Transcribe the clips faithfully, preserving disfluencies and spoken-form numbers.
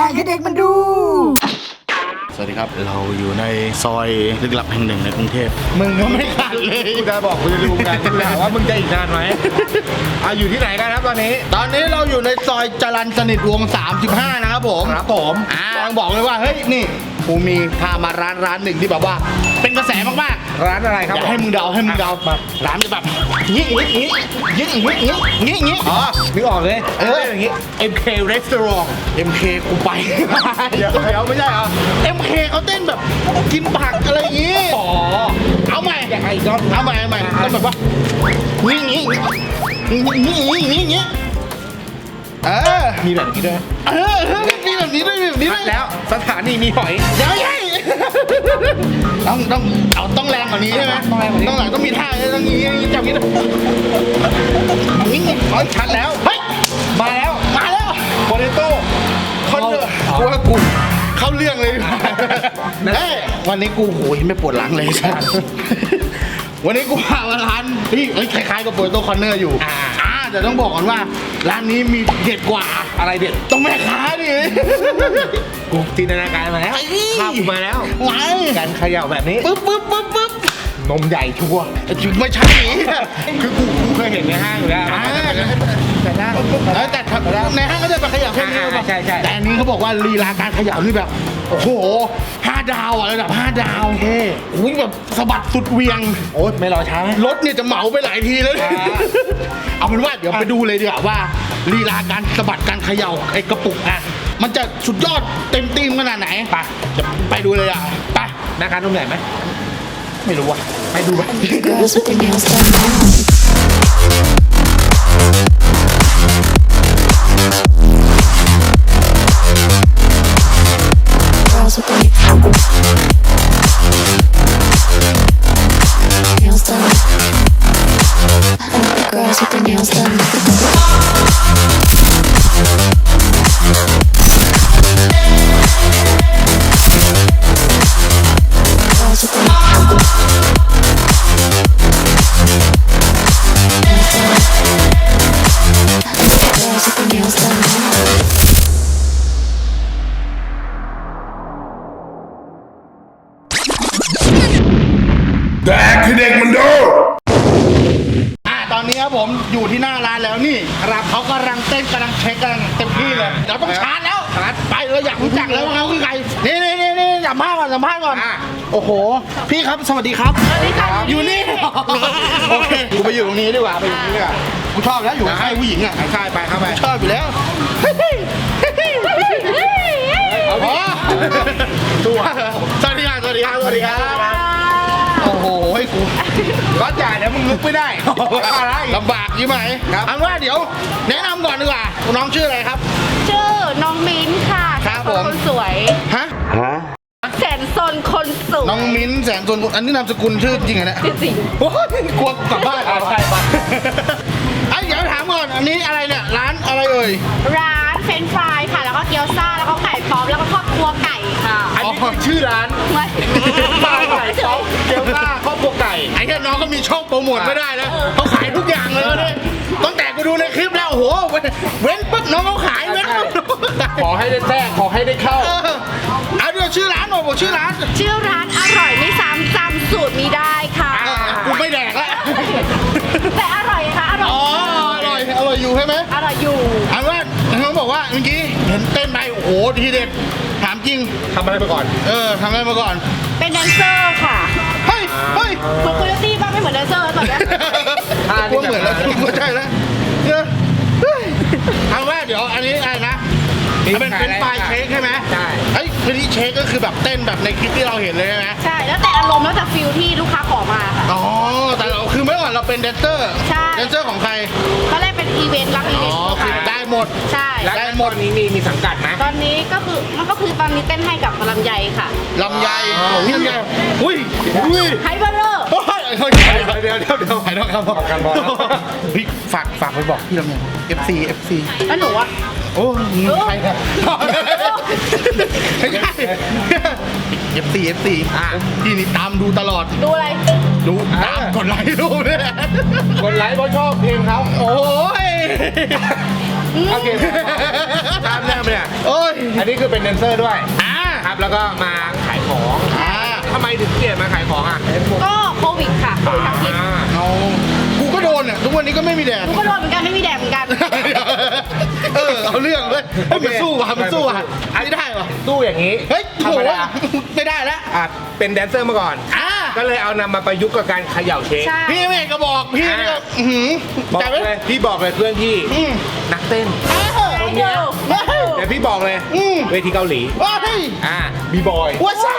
กให้เด็กมันดูสวัสดีครับเราอยู่ในซอยลึกลับแห่งหนึ่งในกรุงเทพมึงก็ไม่ทันเลยกูจะบอกกูจะรู้กันแหละว่ามึงจะอีกนานไหมอ่ะอยู่ที่ไหนกันครับตอนนี้ตอนนี้เราอยู่ในซอยจรัญสนิทวงศ์สามสิบห้านะครับผมครับผมอ่าต้องบอกเลยว่าเฮ้ยนี่กูมีพามาร้านร้านหนึ่งที่แบบว่าเป็นกระแสมากๆร้านอะไรครับอยากให้มึงเดาให้มึงเดาแบบร้านจะแบบงี้งี้งี้งี้งี้งี้งี้งี้อ๋อนึกออกเลยเอออย่างงี้เอ็ม เค Restaurant เอ็ม เค กูไปเดี๋ยวเดี๋ยวไม่ใช่เหรอเอ็ม เค เขาเต้นแบบกินผักอะไรอย่างงี้อ๋อเอาใหม่ยังไงอีกรอบเอาใหม่เอาใหม่ต้องแบบว่างี้งี้งี้งี้งี้งี้เออมีแบบนี้ด้วยเออมีแบบนี้ด้วยมีแบบนี้ด้วยแล้วสถานีมีหอยเดี๋ยวยัยต้องต้องเอาต้องแรงกว่านี้ใช่ไหมต้องแรงกว่านี้ต้องหลังต้องมีท่าต้องงี้งี้จับงี้งี้งี้เฮ้ยชัดแล้วเฮ้ยมาแล้วมาแล้วโปเตโต้คนเดือดอ๋อกูว่ากูเข้าเรื่องเลยเอ้ยวันนี้กูโหยไม่ปวดหลังเลยสัสวันนี้กูพามาร้านพี่เอ้ยคล้ายๆกับโปรโตคอนเนอร์อยู่อ่าอ่าแต่ต้องบอกก่อนว่าร้านนี้มีเด็ดกว่าอะไรเด็ดต้องแม่ค้าดิกูจินตนาการมาแล้วไอ้ภาพกูมาแล้วไงการเขย่าแบบนี้ปึ๊บปึ๊บปึ๊บปึ๊บนมใหญ่ชัวร์จุดไม่ใช่คือกูกูเคยเห็นในห้างอยู่แล้วอ่าแต่ได้เออแต่ในห้างก็จะไปขยับแค่นี้อ่าใช่ใช่แต่อันนี้เขาบอกว่าลีลาการขยับนี่แบบโอ้โหห้าดาวอะระดับห้าดาวโอเคโอ้ยแบบสะบัดสุดเหวียงโอ๊ยไม่รอช้าไหมรถเนี่ยจะเหมาไปหลายทีแล้วอ่าเอาเป็นว่าเดี๋ยวไปดูเลยดีกว่าว่าลีลาการสะบัดการเขย่าไอ้กระปุกอ่ะมันจะสุดยอดเต็มตีมขนาดไหนไปเดี๋ยวไปดูเลยอ่ะไปหน้าการนมใหญ่ไหมไม่รู้ว่ะไปดูไป Girls with their nails done now. Girls with their nails done. I like the girls with their nails done. Girls with their nails done. Girls with their nails done now. แดกคือเด็กมันดูอ่ะตอนนี้ครับผมอยู่ที่หน้าร้านแล้วนี่ครับเขากำลังเต้นกำลังเช็คกำลังเต็มที่เลยเดี๋ยวต้องชาร์จแล้วชาร์จไปเลยอยากรู้จักแล้วว่าเขาคือใครนี่นี่นี่นี่สัมภาษณ์ก่อนสัมภาษณ์ก่อนอ่ะโอ้โหพี่ครับสวัสดีครับสวัสดีครับอยู่นี่โอเคกูไปอยู่ตรงนี้ดีกว่าไปอยู่ตรงนี้ดีกว่ากูชอบแล้วอยู่ใกล้ผู้หญิงอ่ะใช่ไปเข้าไปชอบอยู่แล้วเอาดิตัวสวัสดีครับสวัสดีครับสวัสดีครับโอ้โหให้กูก็จ่ายเดี๋ยวมึงลุกไม่ได้อะไรลำบากยี่ไหมครับเอาว่าเดี๋ยวแนะนำก่อนดีกว่าน้องชื่ออะไรครับชื่อน้องมิ้นท์ค่ะครับแสนผมคนสวยฮะแสนซนคนสวยน้องมิ้นท์แสนสนอันนี้นามสกุลชื่อจริงเหรอเนี่ยจริงโอ้ยกลัวกลับบ้านอ่ะใช่ปะไอ้เดี๋ยวถามก่อนอันนี้อะไรเนี่ยร้านอะไรเอ่ยร้านเฟรนช์ฟรายค่ะ แล้วก็เกี๊ยวซ่า แล้วก็ไก่ป๊อปแล้วก็ครอบครัวไก่ค่ะอันนี้คือชื่อร้านไม่ปลาไก่ซอสเกี๊ยวซ่าครอบครัวไก่ไอ้เนี่ยน้องก็มีช่องโปรโมทไม่ได้นะเขาขายทุกอย่างเลยเนี่ยตั้งแต่กูดูในคลิปแล้วโอ้โหเว้นปุ๊บน้องเขาขายเว้นปุ๊บน้องเขาขายขอให้ได้แทรกขอให้ได้เข้าเออเอาเดี๋ยวชื่อร้านหน่อยบอกชื่อร้านชื่อร้านอร่อยไม่ซ้ำจำสูตรมีได้ค่ะเออกูไม่แดกแล้วแต่อร่อยค่ะ อร่อยอ๋ออร่อยอร่อยอยู่ใช่ไหมอร่อยอยู่อันว่าเขาบอกว่าเมื่อกี้เห็นเต้นไปโอ้โหทีเด็ดถามจริงทำอะไรไปก่อนเออทำอะไรมาก่อนเป็นแดนเซอร์ค่ะเฮ้ยเฮ้ยเหมือนโคโยตี้บ้างไม่เหมือนแดนเซอร์แล้วตอนเนี้ยท่ากูนี่เหมือนแล้วแบบกูใช่แล้วเนอะเฮ้ยเอาว่าเดี๋ยวอันนี้อะไรนะมันเป็นเป็นปลายเช็คใช่ไหมใช่ไอ้ทีนี้เช็คก็คือแบบเต้นแบบในคลิปที่เราเห็นเลยใช่ไหมใช่ แล้วแต่อารมณ์แล้วแต่ฟิลที่ลูกค้าขอมาค่ะอ๋อแต่เราคือเมื่อก่อนเราเป็นแดนเซอร์ใช่แดนเซอร์ของใครตอนแรกเป็นอีเวนต์รับอีอ๋เวอนต์คือค่ะได้หมดใช่แล้วได้หมดตอนนี้มีมีสังกัดไหมตอนนี้ก็คือมันก็คือตอนนี้เต้นให้กับลำไยค่ะลำไยของพี่ลำไยอุ้ยอุ้ยไฮเบอร์เรอร์โอ้ยเฮ้ยเดี๋ยวเดี๋ยวเดี๋ยวถ่ายทอดครับกันบอลเฮ้ยฝากฝากไปบอกพี่ลำไย เอฟ ซี เอฟ ซีแล้วหนูอะโอ้มึงใครเนี่ยไม่ใช่ เอฟ ซี เอฟ ซีอ่ะพี่นี่ตามดูตลอดดูอะไรดูตามกดไลค์ดูเนี่ยคนไลค์เพราะชอบเพลงเขาโอ้ยโอเคตามแนวเนี่ยโอ้ยอันนี้คือเป็นแดนเซอร์ด้วยอ่าครับแล้วก็มาขายของอ่าทำไมถึงเกลียดมาขายของอ่ะก็โควิดค่ะโควิดทั้งพิษอ่าเอากูก็โดนเนี่ยทุกวันนี้ก็ไม่มีแดดกูก็โดนเหมือนกันไม่มีแดดเหมือนกันเออเอาเรื่องเว้ยเฮ้ยมันสู้ว่ะมันสู้ว่ะไม่ได้ว่ะตู้อย่างนี้เฮ้ยธรโหรมดาไม่ได้แล้วอ่ะเป็นแดนเซอร์มาก่อนอ่าก็เลยเอานำมาประยุกต์กับการเขย่าเค้กใช่พี่ไม่ก็บอกพี่นี่ก็อื้อหือบอกจ่ายไหมเลยพี่บอกเลยเพื่อนพี่อืมนักเต้นเออให้ดูให้ดูเดี๋ยวพี่บอกเลยอืมเวทีเกาหลีว้ายอ่าบีบอยหัวซ้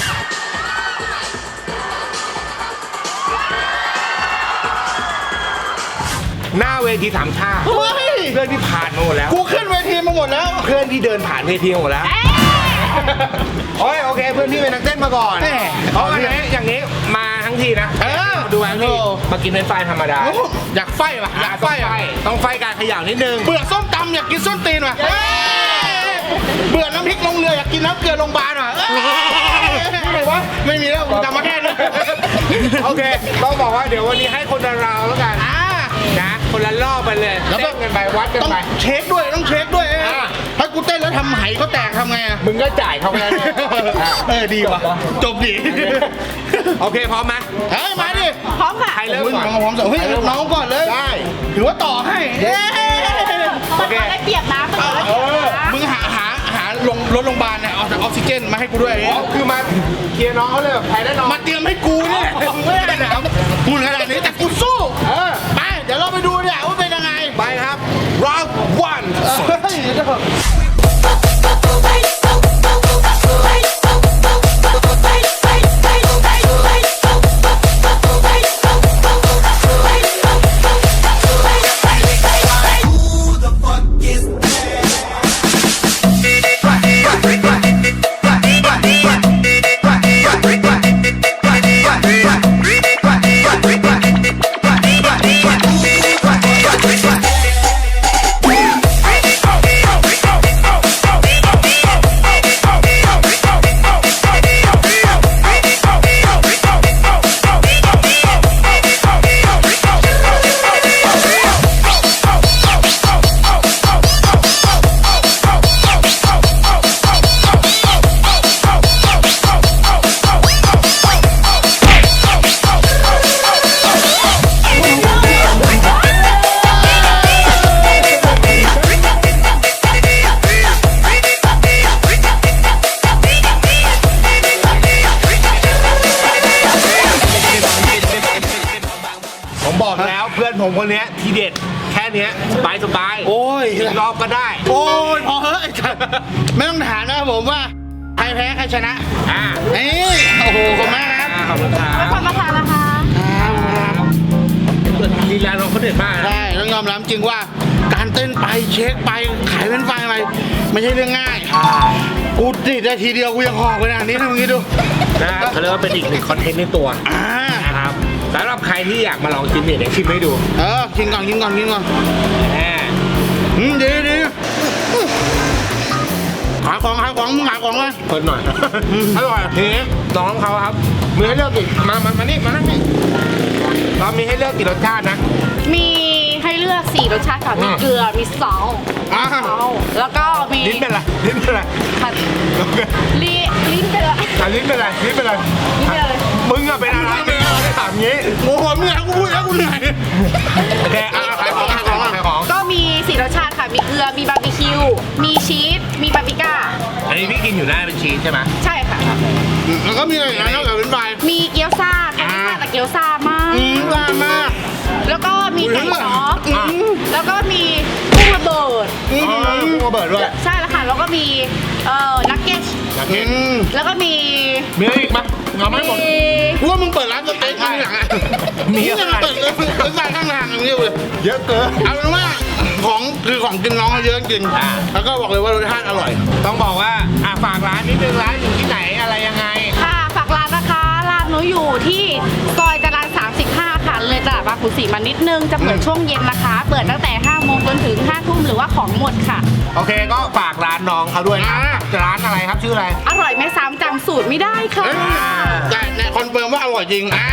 หน้าเวทีสามชาติำเฮ้ยเพื่อนพี่ผ่านมาหมดแล้วกูขึ้นเวทีมาหมดแล้วเพื่อนพี่เดินผ่านเวทีมาหมดแล้ว โอ้ยโอเคเพื่อนพี่เป็นนักเต้นมาก่อนแหม่เพราะอันนี้อย่างนี้มาทั้งทีนะเออดูทั้งทีมากินเป็นไฟธรรมดาโอ้อยากไฟว่ะอยากไฟต้องไฟอ่ะต้องไฟการเขย่านิดนึงเบื่อส้มตำอยากกินส้นตีนว่ะเอ้ยเบื่อน้ำพริกลงเรืออยากกินน้ำเกลือโรงพยาบาลว่ะเอ้ยอะไรวะไม่มีแล้วกูจำมาแค่นี้โอเคต้องบอกว่าเดี๋ยววันนี้ให้คนละราวแล้วกันอ่านะคนละรอบไปเลยแล้วก็เต้นกันไปวัดกันต้องไปเช็คด้วยต้องเช็คด้วยเอ้ยอ่าถ้ากูเต้นแล้วทำไหเขาแตกทำไงอ่ะมึงก็จ่ายเขาไปแล้วเนี่ยเออดีว่ะจบดีโอเคพร้อมไหมเฮ้ยมาดิพร้อมค่ะใครเริ่มก่อนน้องผมสเฮ้ยน้องก่อนเลยได้ถือว่าต่อให้เอ้ยมันก็ได้เปรียบนะมันก็ได้เปรียบนะมึงหาหาหาลงรถโรงพยาบาลเนี่ยเอาจากออกซิเจนมาให้กูด้วยอ๋อคือมาเคลียร์น้องเขาเลยแบบแพ้แน่นอนมาเตรียมให้กูเนี่ยไม่ได้หนาวพูดขนาดนี้แต่กูสู้เออไปเดี๋ยวเราไปดูเนี่ยว่าเป็นยังไงไปครับ round one เฮ้ยเดี๋ยวก่อนผมบอกแล้วเพื่อนผมคนเนี้ยทีเด็ดแค่เนี้ยสบายสบายโอ้ยอีกรอบก็ได้โอ้ยพอเฮ้ยไม่ต้องถามนะครับผมว่าใครแพ้ใครชนะอ่านี่โอ้โหขอบคุณมากครับขอบคุณครัไม่บควรมาทานนะคะลีลาน้องเขาเด็ดมากนะใช่ต้องยอมรับจริงว่าการเต้นไปเช็คไปขายเป็นไฟอะไรไม่ใช่เรื่องง่ายกูติดได้ทีเดียวกูยังหอกไปนะนี่ทำอย่างนี้ดูนะเขาเรียกว่าเป็นอีกหนึ่งคอนเทนต์ในตัวอ่านะครับสำหรับใครที่อยากมาลองชิมเนี่ยเดี๋ยวชิมให้ดูเออกินก่อนกินก่อนกินก่อนแหมอืมดีดีขายของขายของมึงขายของเลยเพิ่นหน่อย อร่อยทีนี้น้องเขาครับมีให้เลือกกี่มามามานี่มานั่งนี่เรามีให้เลือกกี่รสชาตินะมีให้เลือกสี่รสชาติค่ะมีอืมเกลือมีซอสอ่าแล้วก็มีลิ้นเป็นไรลิ้นเป็นไรผัดลีลิ้นเป็นอะไรอ่ะลิ้นเป็นไรลิ้นเป็นไรลิ้นเป็นอะไรมึงอะเป็นอะไรเป็นอะไรถามงี้โอ้โหมึงอยากกูพูดแล้วกูเหนื่อยโอเคอ่ะขายของขายของขายของก็มีสี่รสชาติค่ะ มีเกลือ มีบาร์บีคิว มีชีส มีปาปริก้าอันนี้พี่กินอยู่หน้าเป็นชีสใช่ไหมใช่ค่ะแล้วก็มีอะไรอีกนะนอกจากเป็นไฟมีเกี๊ยวซ่าค่ะไม่ซ่าแต่เกี๊ยวซ่ามากอืมว่ามากแล้วก็มีไก่อุ๊ยซอสอืมแล้วก็มีกุ้งระเบิดอือ๋อมกุ้งระเบิดด้วยใช่แล้วค่ะ แล้วก็มีเอ่อนักเก็ตนักเก็ตอืมแล้วก็มีมีอะไรอีกไหมเอาไม่หมดมีกูว่ามึงเปิดร้านสเต็กข้างหลังอ่ะมีมึงอะไรยังเปิดเลยเป็นไฟข้างหลังอย่างนี้เลยเยอะเกินเอาเป็นว่าของคือของกินน้องเขาเยอะจริงอ่าแล้วก็บอกเลยว่ารสชาติอร่อยต้องบอกว่าอ่ะฝากร้านนิดนึงร้านอยู่ที่ไหนอะไรยังไงค่ะฝากร้านนะคะร้านหนูอยู่ที่ซอยจรัญสามสิบห้าค่ะเลยตลาดบางขุนศรีมานิดนึงจะเปิดช่วงเย็นนะคะ เปิดตั้งแต่ห้าโมงจนถึงห้าทุ่มหรือว่าของหมดค่ะโอเคก็ฝากร้านน้องเขาด้วยนะอ่าร้านอะไรครับชื่ออะไรอร่อยไม่ซ้ำจำสูตรไม่ได้ค่ะแต่เนี่ยคอนเฟิร์มว่าอร่อยจริงอ่า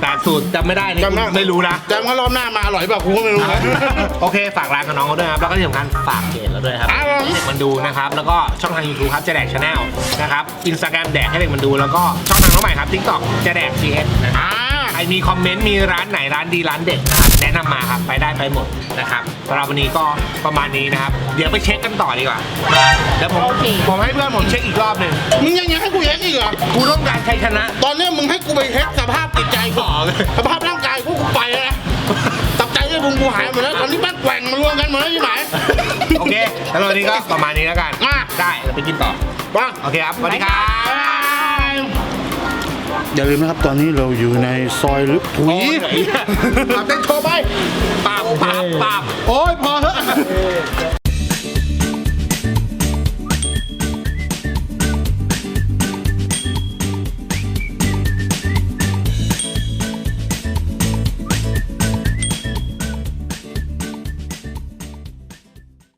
แต่สูตรจำไม่ได้นี่จำได้ไม่รู้นะจำว่ารอบหน้ามาอร่อยเปล่ากูก็ไม่รู้นะโอเคฝากร้านกับน้องเขาด้วยครับแล้วก็ที่สำคัญฝากเพจเราด้วยครับครับผมให้เด็กมันดูนะครับแล้วก็ช่องทาง YouTube ครับจะแดกชาแนลนะครับอินสตาแกรมแดกให้เด็กมันดูแล้วก็ช่องทางน้องใหม่ครับ TikTok จะแดก ซี เอส นะครับอ่าใครมีคอมเมนต์มีร้านไหนร้านดีร้านเด็ดนะครับแนะนำมาครับไปได้ไปหมดนะครับสำหรับวันนี้ก็ประมาณนี้นะครับเดี๋ยวไปเช็คกันต่อดีกว่าเดี๋ยวผมโอเคผมให้เพื่อนผมเช็คอีกรอบหนึ่งมึงยังยังให้กูเช็คอีกเหรอกูต้องการชัยชนะตอนเนี้ยมึงให้กูไปเช็คสภาพจิตใจกูสภาพร่างกายกูกูไปแล้วนะตับใจด้วยมึงกูหายหมดแล้วตอนนี้แม่งแกว่งมารวมกันหมดแล้วยี่ไหมโอเคแล้ววันนี้ก็ประมาณนี้แล้วกันอ่ะได้เราไปกินต่อบ้างโอเคครับสวัสดีครับอย่าลืมนะครับตอนนี้เราอยู่ในซอยลึกถุยเอาเต้นโชว์ไปปาบปาบปาบโอ้ยพอเถอะ